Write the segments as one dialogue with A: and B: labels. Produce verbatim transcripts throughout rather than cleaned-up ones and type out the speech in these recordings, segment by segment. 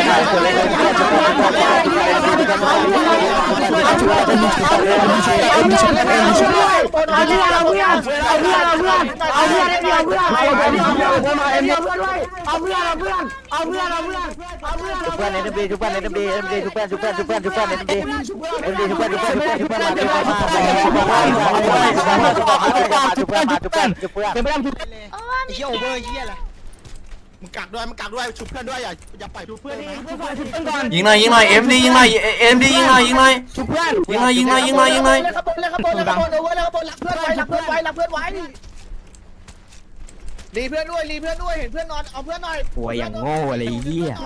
A: เฮียโอเวอร์เฮียอะไร
B: มึงกักด้วยมึงกักด้วยชุบเพื่อนด้วยอย่าอย่าปล่อยชุบเพื่อนนะ
C: ยิงหน่อยยิงหน่อยเอ็มดียิงหน่อยเอ็มดียิงหน่อยยิงหน่อยยิงหน่อยยิงหน่อยยิงหน่อยยิงหน่อย
B: เล่นขบวนเล่นขบวนเล่นขบวนโอเวอร์เล่นขบวนหลักเพื่อนไว้หลักเพื่อนไว้หลักเพื่อนไว้รีเพื่อนด้วยรีเพื่อนด้วยเห็นเพื่อนนอนเอาเพื่อนหน่อย
D: หัวอย่างโง่อะไรเหี้ย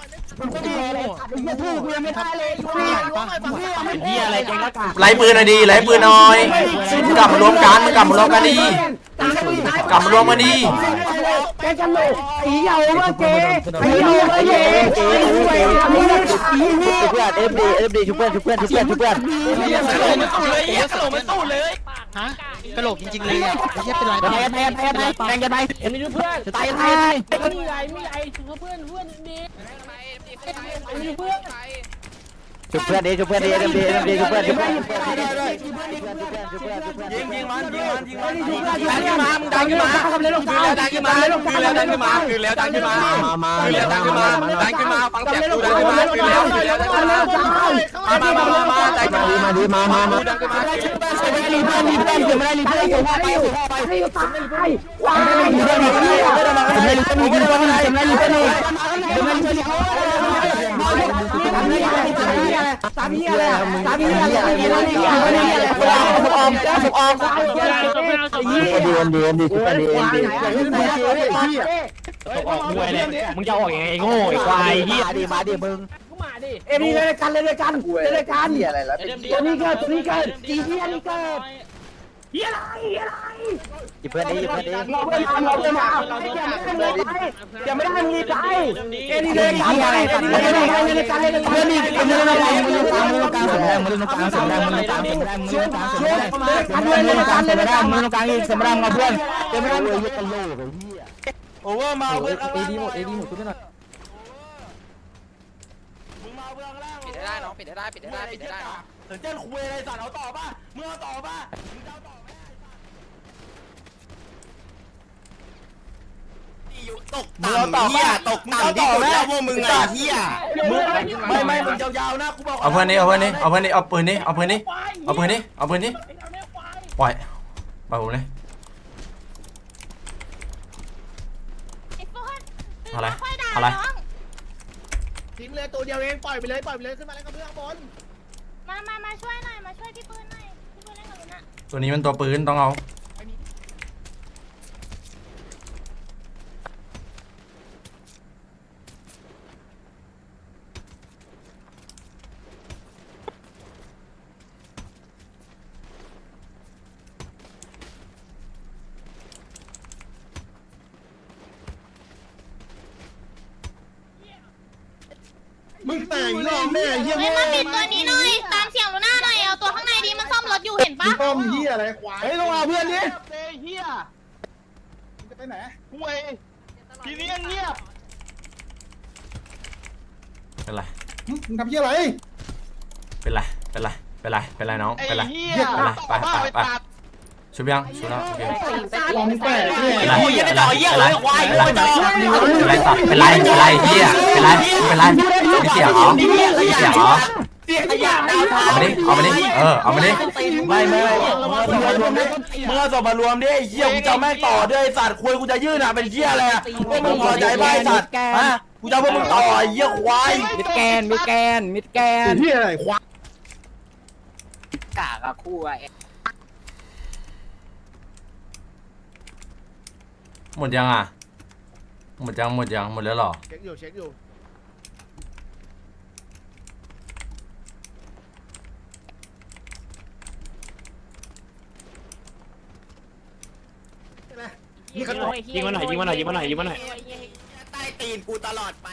B: เฮียอะไรกันละกัน
C: ไล่ปืนหน่อยดีไล่ปืนหน่อยกลับมารวมกันกลับมารวมกันดีกลับมารวมกันดี
D: แกกันเลยไอ้เหี้ยโอเวอร์เกย์ไอ้เหี้ยโอเวอร์เกย์ไอ้เหี้ยไอ้เหี้ยเพื่อนเอฟดีเอฟดีชุบเพื่อนชุบเพื่อนชุบเพื่อนชุบเพื่อน
B: กระโหลกจริงๆเลยอ่ะไอ้เหี้ยเป็นไร
D: แพ้แพ้แพ้แพ้แพ้กันไปเอ็มดีชุบเพื่อนตายตาย
E: มีไรมีไรถือเพื่อนเพื่อนดีมีเพื่อน
D: ชุบเพื่อนดิชุบเพื่อนดิเอ็มดีเอ็มดีชุบเพื่อนชุบเพื่อน
C: ยิงยิงมันยิงมันยิงมัน
D: ดังขึ้นมามึงดังขึ้นมาทำเลยลงดาวดังขึ้นมาลงดาวดังขึ้นมาคือแล้วดังขึ้นมามามาคือแล้วดังขึ้นมาดังขึ้นมาฟังเสียงกูดังขึ้นมาคือแล้วคือแล้วดังขึ้นมามามามามาใจมาดีมาดีมามามาดังขึ้นมาไม่ได้รีเพื่อนรีเพื่อนไม่ได้รีเพื่อนส่งไปส่งไปให้ตายว้ายไม่ได้รีเพื่อนไม่ได้รีเพื่อนไม่ได้รีเพื่อนไม่ได้รีเพื่อนไม่ได้รีเพื่อนไม่ได้รีเพื่อนสามเหี้ยอะไรสามเหี้ยอะไรสามเหี้ยอะไรสามเหี้ยอะไรสุกอมสุกอมเดือนเดือนดิชุบเดือนดิออกมวยเลยมึงจะออกยังไงไอ้โง่ไอ้ควายเหี้ยดิมาดิมึงเอ็มดีเลยกันเลยกันเลยกันเหี้ยอะไรแล้วตัวนี้เกิดตัวนี้เกิดจีเหี้ยนี่เกิดเหี้ยอะไรเหี้ยอะไรหยิบเพื่อนดิหยิบเพื่อนดิเราเพื่อนมาเราเพื่อนมาอย่าไม่ได้มึงดีใจเอ็มดีเลยกันเลยกันเลยกันเลยกันเลยเพื่อนดิเอ็มดีเลยกันเลยกันเลยกันเลยกันเลยกันเลยกันเลยกันเลยกันเลยกันเลยกันเลยกันเลยกันเลยกันเลยกันเลยกันเลยกันเลยกันเลยกันเลยมาเพื่อนเอ็มดีเลยกันเลยโอเวอร์มาเพื่อนเอดีหมดเอดีหมดทุกท่าน
F: ปิดได้น้องปิดได้ปิดได้ปิดได้น้อง
C: ถึงเจ้าคุยอะไรสัตว์เอาต่อป่ะมึงเอาต่อป่ะมึงเอาต่อไหม
B: ตกต่ำเหี้ยตกต่ำที่สุดแล้วพวกมึงไงเหี้ย
C: มึงไม่ไม่มึงยาวๆนะกูบอก
G: เอาเพื่อนนี้เอาเพื่อนนี้เอาเพื่อนนี้เอาปืนนี้เอาปืนนี้เอาปืนนี้เอาปืนนี้ปล่อยปล่อยผมเลย
A: ไอ้โฟน
G: อะไร
A: ค่อยด่า
G: อะไร
A: น้อง
B: ทิ้งเลยตัวเดียวเองปล่อยไปเลยปล่อยไปเลยขึ้นมาเล่นกับเพื่อนข้างบน
A: มามามาช่วยหน่อยมาช่วยพี่ปืนหน่อยพี่ปืนเล่นกับหนูนะ
G: ตัวนี้มันตัวปืนต้องเอา
B: มึงแต่งรอบแม่เหี้ย
A: เฮ้ยมาปิดตัวนี้หน่อยตามเสียงหนูหน้าหน่อยเอาตัวข้างในดีมันซ่อมรถอยู่เห็นปะ
B: ต้มเหี้ยอะไรควาย
D: เฮ้ยลงเอาเพื่อนดิ
B: เหี้ยจะไปไหน
D: ห่วยทีนี้เงียบ
G: เป็นไร
B: มึงทำเหี้ยอะไร
G: เป็นไรเป็นไรเป็นไรเป็นไรน้องเป็นไร
D: เหี้ย
G: เป็นไรไปไปไปชุบยังชุบแล้วโอเค
B: ลองแปะเนี่ย
G: เป็นไรเป็นไรเป็นไรเป็นไรสัตว์เป็นไรเป็นไรเฮียเป็นไรเป็นไรมีเสียงเหรอมีเสียงเหรอเอามาดิเอามาดิเออเอามาดิ
C: ไม่ไม่มึงเอาศพมารวมดิมึงเอาศพมารวมดิไอ้เหี้ยกูจะแม่งต่อด้วยไอ้สัตว์คุยกูจะยื่นอ่ะเป็นเหี้ยอะไรอ่ะพวกมึงพอใจไหมไอ้สัตว์ฮะกูจะพวกมึงต่อไอ้เหี้ยควาย
D: มิดแกนมิดแกนมิดแกน
B: เหี้ยอะไรควาย
F: กากอะคู่อะ
G: หมดยังอ่ะหมดยังหมดยังหมดแล้วหรอ
B: เช็คอยู่เช็คอยู่
D: ยิงมันหน่อยยิงมันหน่อยยิงมันหน่อยยิงมันหน่อยยิงมันหน่อย
B: ใต้ตีนกูตลอดไป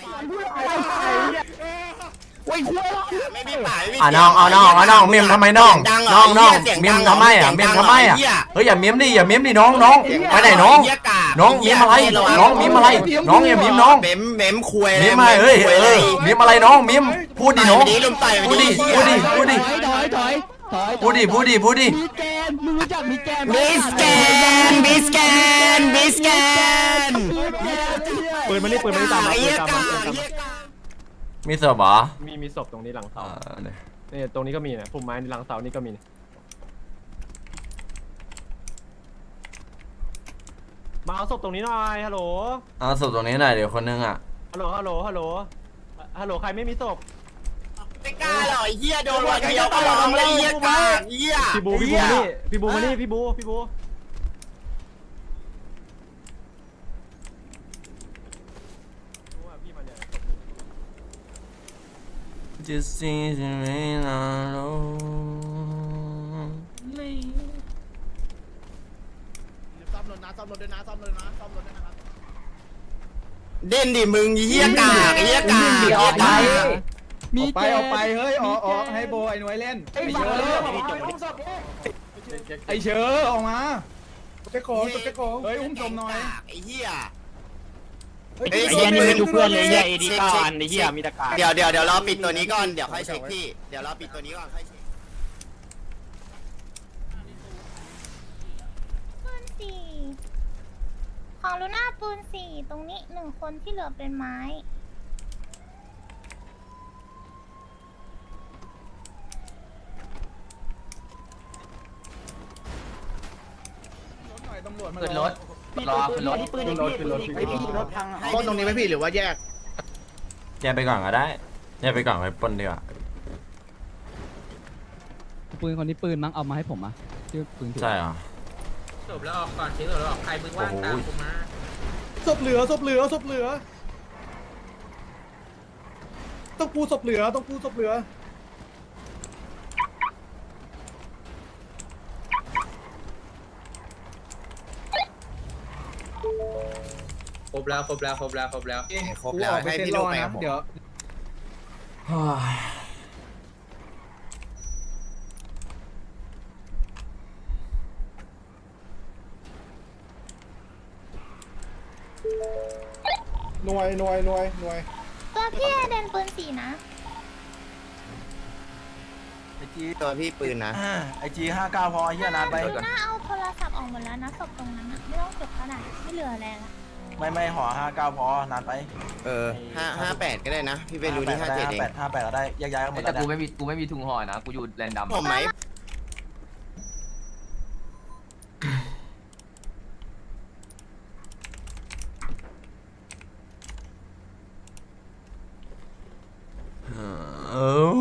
D: โอ้ยคุย
B: ไม่มีป่าไม่มี
G: อ่ะน้องเอาน้องเอาน้องเมียมทำไมน้องน้องน้องเมียมทำไมอ่ะเมียมทำไมอ่ะเฮ้ยอย่าเมียมดิอย่าเมียมดิน้องน้องไปไหนน้องน้องเมียมอะไรน้องเมียมอะไรน้องอย่าเมียมน้อง
B: เม้มเม้มคุย
G: เมียมอะไรเฮ้ยเออเมียมอะไรน้องเมียมพูดดิน้อง
B: ลุมต่อย
G: พูดดิพูดดิพูดดิ
D: ถอยถอยถอย
G: พูดดิพูดดิพูดดิ
D: มิดแกนมึงรู้จักมิดแกน
B: บิสแกนบิสแกนบิสแกน
D: ปืนมันนี่ปืนมันนี่ตามมาปืนตามมาปืนตามมา
G: มีเสิร์ฟเหรอ
D: มีมีศพตรงนี้หลัง
G: เอ
D: เสา
G: อเนี่ย
D: เนี่ยตรงนี้ก็มีนะพุ่มไม้หลังเสานี่ก็มีมาเอาศพตรงนี้หน่อยฮัลโหล
G: เอาศพตรงนี้หน่อยเดี๋ยวคนนึงอ่ะ
D: ฮัลโหลฮัลโหลฮัลโหลฮัลโหลใครไม่มีศพ
B: ไม่กล้าหรอไอ้เหี้ยโดนวันเดียวก็ร้องเลยเหี้ยกาเหี้ย
D: พี่บูพี่บูมานี่พี่บูมานี่พี่บูพี่บู
G: Just see the rain on
B: ซ่อมรถนะซ่อมรถด้วยนะซ่อมรถนะซ่อมรถด้วยนะครับเด่นดิมึงเหี้ยกากเหี้ยกากเหี้ยกาก
D: มีไปเอาไป
H: เฮ้ยออกออกให้โบไอ้หน่วยเล่นไอ้เชอไอ้เชอออกมาเจ๊โกงเจ๊โกงเฮ้ยอุ้มศพหน่อย
B: ไอ้เหี้ย
D: ไอ้เหี้ยนี่ไม่ดูเพื่อนเลยเหี้ยเอดีก้าอันไอ้เหี้ยมีตะการ
B: เดี๋ยวเดี๋ยวเดี๋ยวรอปิดตัวนี้ก่อนเดี๋ยวค่อยเช็คพี่เดี๋ยวรอปิดตัวนี้ก่อนค่อยเช็ค
A: ปืนสี่ของลูน่าปืนสี่ตรงนี้หนึ่งคนที่เหลือเป็นไม้
H: ตำรวจมา
C: ขึ้นรถรอขึ้นรถ
D: ปืนนี่ปืนนี่ไอ้พี่รถพัง
B: ต้นตรงนี้ไหมพี่หรือว่าแยก
G: แยกไปก่อนก็ได้แยกไปก่อนไปปนดีกว่า
H: ปืนคนนี้ปืนมั้งเอามาให้ผมอ่ะชื่อปืน
G: ใช่เหรอ
I: จบแล้วออกก่อนทิ้งจบแล้วออกใครมึงว่างตามกูมา
H: ศพเหลือศพเหลือศพเหลือต้องปูศพเหลือต้องปูศพเหลือ
I: ครบแล้วครบแล้วครบแล้วครบแล้ว
B: ครบแล้วให้พี่ลูกไปกับผม
H: เดี๋ยว
G: เฮ้ย
H: หน่วยหน่วยหน่วยหน่วย
A: ตัวพี่เดนปืนสี่นะ
C: ไอจี
J: ตัวพี่ปืนนะ
C: ไอจีห้าเก้าพอไอ้เหี้ยนานไป
A: ลูน่าเอาโทรศัพท์ออกหมดแล้วนะศพตรงนั้นนะไม่ต้องเก็บก็ได้ไม่เหลืออะไรละ
C: ไม่ไม่ห่อห้าเก้าพอนานไป
J: เออห้าห้าแปดก็ได้นะ พี่ไปรู้ที่ห้าเจ็ดเอง
C: แปดห้าแปดก็ได้แยกย้ายกันหมด
G: แต่
C: แล้ว
G: กูไม่มีกูไม่มีถุงห่อนะกูอยู่แรนดัม
J: ผมไหม
G: เออ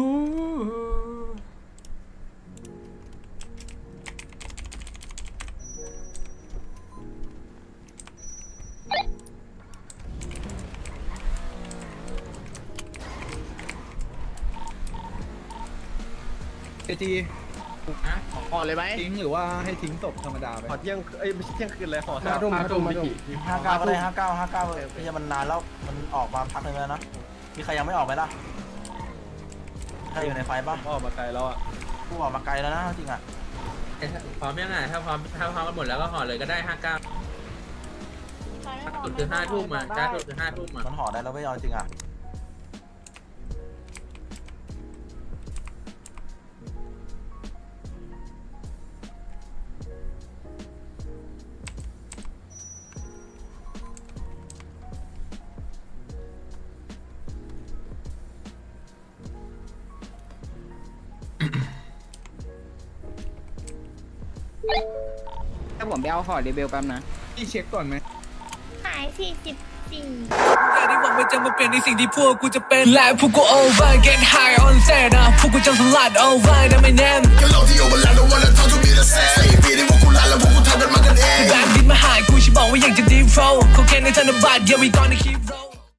H: เอจี
B: ห่อเลยไหม
H: ทิ้งหรือว่าให้ทิ้งศพธรรมดาไป
B: ห่อเที่ยงเอ้ยไม่ใช่เที่ยงคืนเลยห่อ
H: ห้าทุ่มห้าทุ่มพี่
C: ห้าเก้าก็ได้ห้าเก้าห้าเก้าไม่ใช่มันนานแล้วมันออกมาพักหนึงแล้วนะมีใครยังไม่ออกไหมล่ะใครอยู่ในไฟป่ะ
H: ออกมาไกลแล้วอ่ะ
C: กูออกมาไกลแล้วนะจริงอ่ะ
I: พร้อมยังไงถ้าพร้อมถ้าพร้อมกันหมดแล้วก็ห่อเลยก็ได้ห้าเก้าสุดคือห้าทุ่มอ่ะจ้าสุดคือห้าทุ่มอ่ะ
C: มันห่อได้แล้วไม่เอาจริงอ่ะ
D: ถ้าผมไปเอาห่อเรเบลแป๊บนะ
H: พี่เช็คก่อนไหม
A: ขายสี่สิบสี่
K: ได้หวังว่าจะมาเปลี่ยนในสิ่งที่พวกกูจะเป็นและพวกกู over get high on set นะพวกกูจะสลัด over ได้ไม่แน่ก็เราที่ over แล้ว don't wanna talk to me the same ใส่ปีที่พวกกูลาแล้วพวกกูทำกันมากันเองแบบดินมาหากูฉันบอกว่าอยากจะ deep flow เขาแค่ในธนบัตร yeah we gonna keep roll